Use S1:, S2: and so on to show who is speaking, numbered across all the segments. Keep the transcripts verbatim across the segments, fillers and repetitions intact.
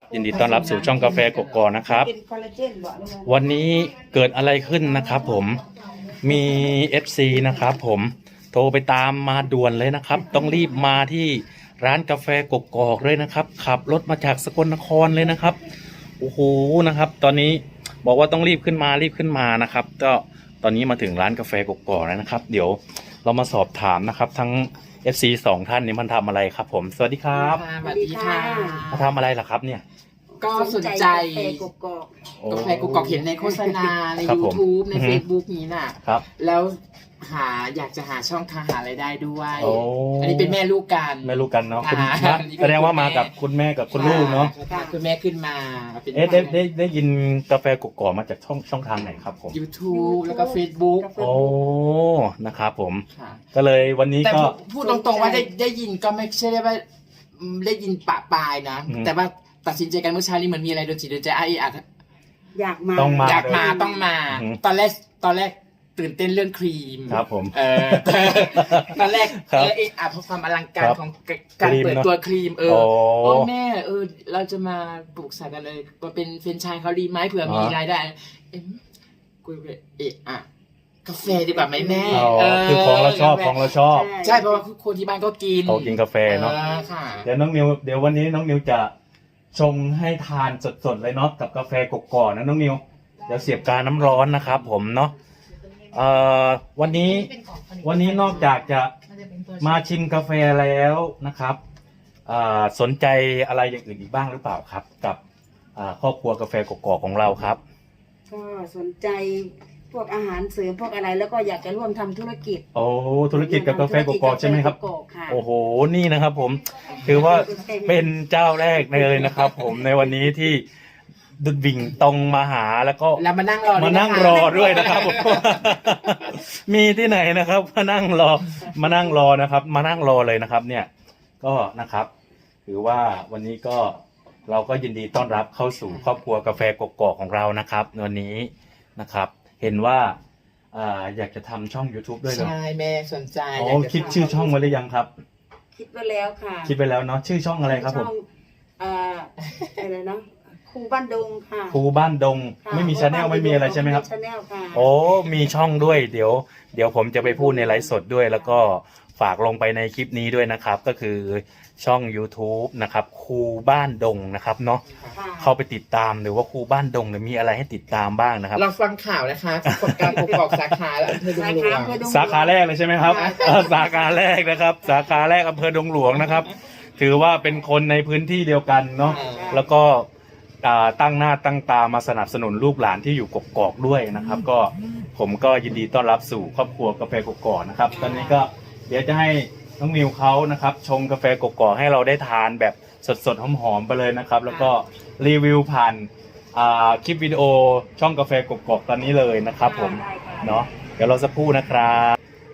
S1: ยินดีต้อนรับสู่ช่องกาแฟกกอกนะครับวันนี้เกิดอะไรขึ้นนะครับผมมี เอฟ ซี นะครับผมโทรไปตามมาด่วนเลยนะครับต้องรีบมาที่ร้านกาแฟกกอกเลยนะครับขับรถมาจากสกลนครเลยนะครับโอ้โหนะครับตอนนี้บอกว่าต้องรีบขึ้นมารีบขึ้นมานะครับก็ตอนนี้มาถึงร้านกาแฟกกอกแล้วนะครับเดี๋ยวเรามาสอบถามนะครับทั้ง เอฟ ซี สองท่านนี้มันทำอะไรครับผมสวัสดีครับ
S2: สวัสดีค่ะ
S1: มาทำอะไรล่ะครับเนี่ย
S2: ก็สนใจกาแฟกกอกกาแฟกกอกเห็นในโฆษณาใน YouTube ใน Facebook นี้น่ะแล้วหาอยากจะหาช่องทางหารายได้ด้วยอันนี้เป็นแม่ลูกกัน
S1: แม่ลูกกันเนาะแสดงว่ามากับคุณแม่กับคุณลูกเนาะ
S2: คุณแม่ขึ้นมา
S1: เอ๊ะได้ได้ได้ยินกาแฟกกอกมาจากช่องช่องทางไหนครับผม
S2: YouTube แล้วก็ Facebook
S1: โอ้นะครับผมก็เลยวันนี้ก็
S2: พูดตรงๆว่าได้ได้ยินก็ไม่ใช่ได้ว่าได้ยินปะปลายนะแต่ว่าตัดสินใจกันเมื่อเช้านี้เหมือนมีอะไรโดนจิตโดนใจไอ้อาจ
S3: อยากมา
S1: ต้องมา
S2: อยากมาต้องมาตอนแรกตอนแรกตื่นเต้นเรื่องครีม
S1: ครับผม
S2: เออตอนแรกเออเออเพราะความอลังการของการเปิดตัวครีมเออโอ้แม่เออเราจะมาปลูกสายกันเลยมาเป็นเฟรนไชส์เขาดีไหมเผื่อมีรายได้เอ็มกูเอะอะกาแฟดีกว่าไหมแม่
S1: คือของเราชอบของเราชอบ
S2: ใช่เพราะว่าคนที่บ้านก็กิน
S1: เขากินกาแฟเนาะเดี๋ยวน้องนิวเดี๋ยววันนี้น้องนิวจะชงให้ทานสดๆเลยเนาะกับกาแฟกกอกนะน้องนิวเดี๋ยวเสียบกาน้ำร้อนนะครับผมเนาะเอ่อวันนี้วันนี้นอกจากจะมาชิมกาแฟแล้วนะครับอ่าสนใจอะไรอย่างอื่นอีกบ้างหรือเปล่าครับกับอ่าครอบครัวกาแฟกกอกของเราครับ
S3: ก็สนใจพวกอาหารเสริมพวกอะไรแล้วก็อยากจะร่วมทำธุรกิจ
S1: โอ้ธุรกิจกับกาแฟกกอกใช่ไหมครับโอ้โหนี่นะครับผมถือว่าเป็นเจ้าแรกเลยนะครับผมในวันนี้ที่ดุดวิ่งตรงมาหาแล้วก็
S2: แล้วมานั่งรอ
S1: มานั่งรอด้วยนะครับมีที่ไหนนะครับมานั่งรอมานั่งรอนะครับมานั่งรอเลยนะครับเนี่ยก็นะครับถือว่าวันนี้ก็เราก็ยินดีต้อนรับเข้าสู่ครอบครัวกาแฟกกอกของเรานะครับวันนี้นะครับเห็นว่าอยากจะทำช่อง YouTube ด้วยเหรอ
S2: ใช่แม่สนใจ
S1: อ๋อคิดชื่อช่องไว้หรือยังครับ
S3: คิดไว้แล้วค่ะ
S1: คิดไปแล้วเนาะชื่อช่องอะไรครับผม
S3: อ่าอะไรนะครูบ้านดงค่ะ
S1: ครูบ้านดงไม่มีชาแนลไม่มีอะไรใช่ไหมครับ
S3: ชาแนลค่ะ
S1: โอ้มีช่องด้วยเดี๋ยวเดี๋ยวผมจะไปพูดในไลฟ์สดด้วยแล้วก็ฝากลงไปในคลิปนี้ด้วยนะครับก็คือช่อง YouTube นะครับครูบ้านดงนะครับเนาะเข้าไปติดตามหรือว่าครูบ้านดงเนี่ยมีอะไรให้ติดตามบ้างนะครับ
S2: เราฟังข่าวนะคะกฎการกกอกสาขาอำเภอดงหลวง
S1: สาขาแรกเลยใช่ไหมครับสาขาแรกนะครับสาขาแรกอำเภอดงหลวงนะครับถือว่าเป็นคนในพื้นที่เดียวกันเนาะแล้วก็ตั้งหน้าตั้งตามาสนับสนุนลูกหลานที่อยู่กกอกด้วยนะครับก็ผมก็ยินดีต้อนรับสู่ครอบครัวกาแฟกกอกนะครับตอนนี้ก็เดี๋ยวจะให้น้องมิวเขานะครับชงกาแฟกกอกให้เราได้ทานแบบสดๆหอมๆไปเลยนะครับแล้วก็รีวิวผ่านคลิปวิดีโอช่องกาแฟกกอกตอนนี้เลยนะครับผมเนาะเดี๋ยวเราสักครู่นะครับ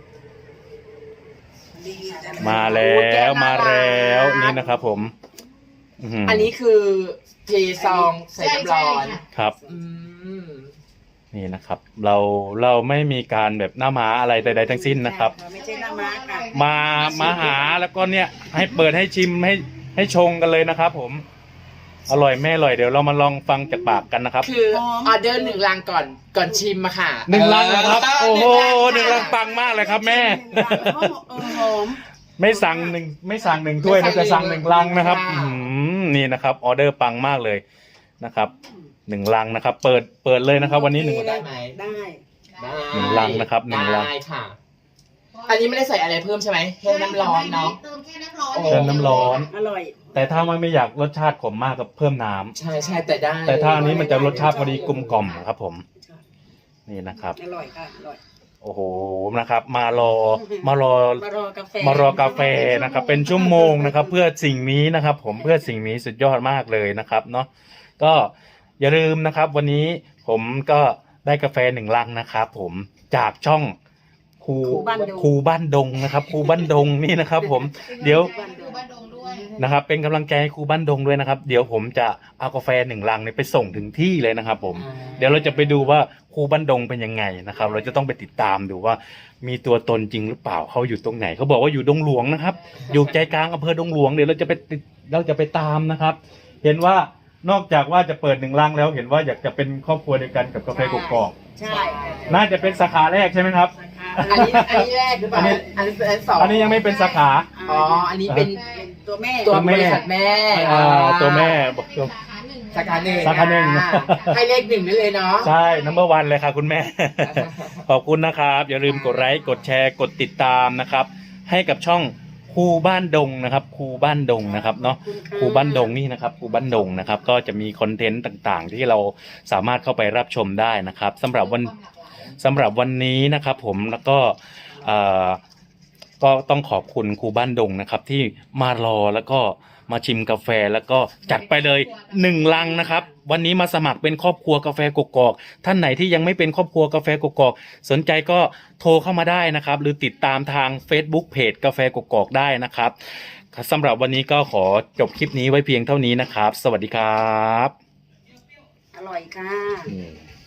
S1: มาแล้วมาแล้วนี่นะครับผม
S2: อันนี้คือเทซองใส่น้ำร้อน
S1: ครับนี่นะครับเราเราไม่มีการแบบหน้าม้าอะไรใดๆทั้งสิ้นนะครับ
S3: ไม่ใช่หน้าม้าค่ะ
S1: มามาหาแล้วก็เนี่ยให้เปิดให้ชิมให้ให้ชงกันเลยนะครับผมอร่อยแม่อร่อยเดี๋ยวเรามาลองฟังจากปากกันนะครับ
S2: คือออเดอร์หนึ่งลังก่อนก่อนชิมมาค่ะ
S1: หนึ่งลังนะครับโอ้โหหนึ่งลังปังมากเลยครับแม่ไม่สั่งหนึ่งไม่สั่งหนึ่งถ้วยนะจะสั่งหนึ่งลังนะครับนี่นะครับออเดอร์ปังมากเลยนะครับหนึ่งลังนะครับเปิดเปิดเลยนะครับวันนี้หนึ่ง
S2: ได้ไหม
S3: ได้
S1: หนึ่งลังนะครับหนึ่งลัง
S2: ได้ค่ะอันนี้ไม่ได้ใส่อะไรเพิ่มใช่ไหมแค่น้ำร้อนเนาะ
S3: เติมแค่น้ำร้อน
S1: เติมน้ำร้อน
S3: อร่อย
S1: แต่ถ้าไม่ไม่อยากรสชาติขมมากก็เพิ่มน้
S2: ำใช่ใช่แต่ได้
S1: แต่ถ้าอันนี้มันจะรสชาติพอดีกลมกล่อมครับผมนี่นะครับ
S3: อร่อยค่ะอร่อย
S1: โอ้โหนะครับมารอมารอ
S3: มารอกาแฟ
S1: มารอกาแฟนะครับเป็นชั่วโมงนะครับเพื่อสิ่งนี้นะครับผมเพื่อสิ่งนี้สุดยอดมากเลยนะครับเนาะก็อย่าลืมนะครับวันนี้ผมก็ได้กาแฟหนึ่งลังนะครับผมจากช่องครูครูบ้านดงนะครับครูบ้านดงนี่นะครับผมเดี๋ยวนะครับเป็นกำลังใจให้ครูบ้านดงด้วยนะครับเดี๋ยวผมจะเอากาแฟหนึ่งลังเนี่ยไปส่งถึงที่เลยนะครับผมเดี๋ยวเราจะไปดูว่าครูบ้านดงเป็นยังไงนะครับเราจะต้องไปติดตามดูว่ามีตัวตนจริงหรือเปล่าเขาอยู่ตรงไหนเขาบอกว่าอยู่ดงหลวงนะครับอยู่ใจกลางอำเภอดงหลวงเดี๋ยวเราจะไปเราจะไปตามนะครับเห็นว่านอกจากว่าจะเปิดหนึ่งลังแล้วเห็นว่าอยากจะเป็นครอบครัวเดียวกันกับกาแฟกกอก
S3: ใช่
S1: น่าจะเป็นสาขาแรกใช่ไหมครับ
S2: อันนี้อันนี้แรกหรือเปล่า
S1: อันนี้
S2: อันนี้อันสอง
S1: อันนี้ยังไม่เป็นสาขา
S2: อ๋ออันนี้เป็น
S3: ตัวแม่
S2: ตัว
S1: แม่
S2: บริษัทแม่
S1: อ่าตัวแม่บอกตัว
S2: สาขาหนึ่ง
S1: สาขาหนึ่ง
S2: อ่ให้เลขหนึ่งได้เลยเนาะ
S1: ใช่ number one เลยค่ะคุณแม่ ขอบคุณนะครับ อย่าลืมกดไลค์กดแชร์กดติดตามนะครับ ให้กับช่องครูบ้านดงนะครับครูบ้านดงนะครับเนาะครูบ้านดงนี่นะครับครูบ้านดงนะครับ ก็จะมีคอนเทนต์ต่างๆ ที่เราสามารถเข้าไปรับชมได้นะครับสำหรับวันสำหรับวันนี้นะครับ ผมแล้วก็เอ่อก็ต้องขอบคุณครูบ้านดงนะครับ ที่มารอแล้วก็มาชิมกาแฟแล้วก็จัดไปเลยหนึ่งลังนะครับ วันนี้มาสมัครเป็นครอบครัวกาแฟกกอกท่านไหนที่ยังไม่เป็นครอบครัวกาแฟกกอกสนใจก็โทรเข้ามาได้นะครับ หรือติดตามทาง Facebook เพจกาแฟกกอกได้นะครับสำหรับวันนี้ก็ขอจบคลิปนี้ไว้เพียงเท่านี้นะครับ สวัสดีครับ
S3: อร่อยค่ะ
S1: อืม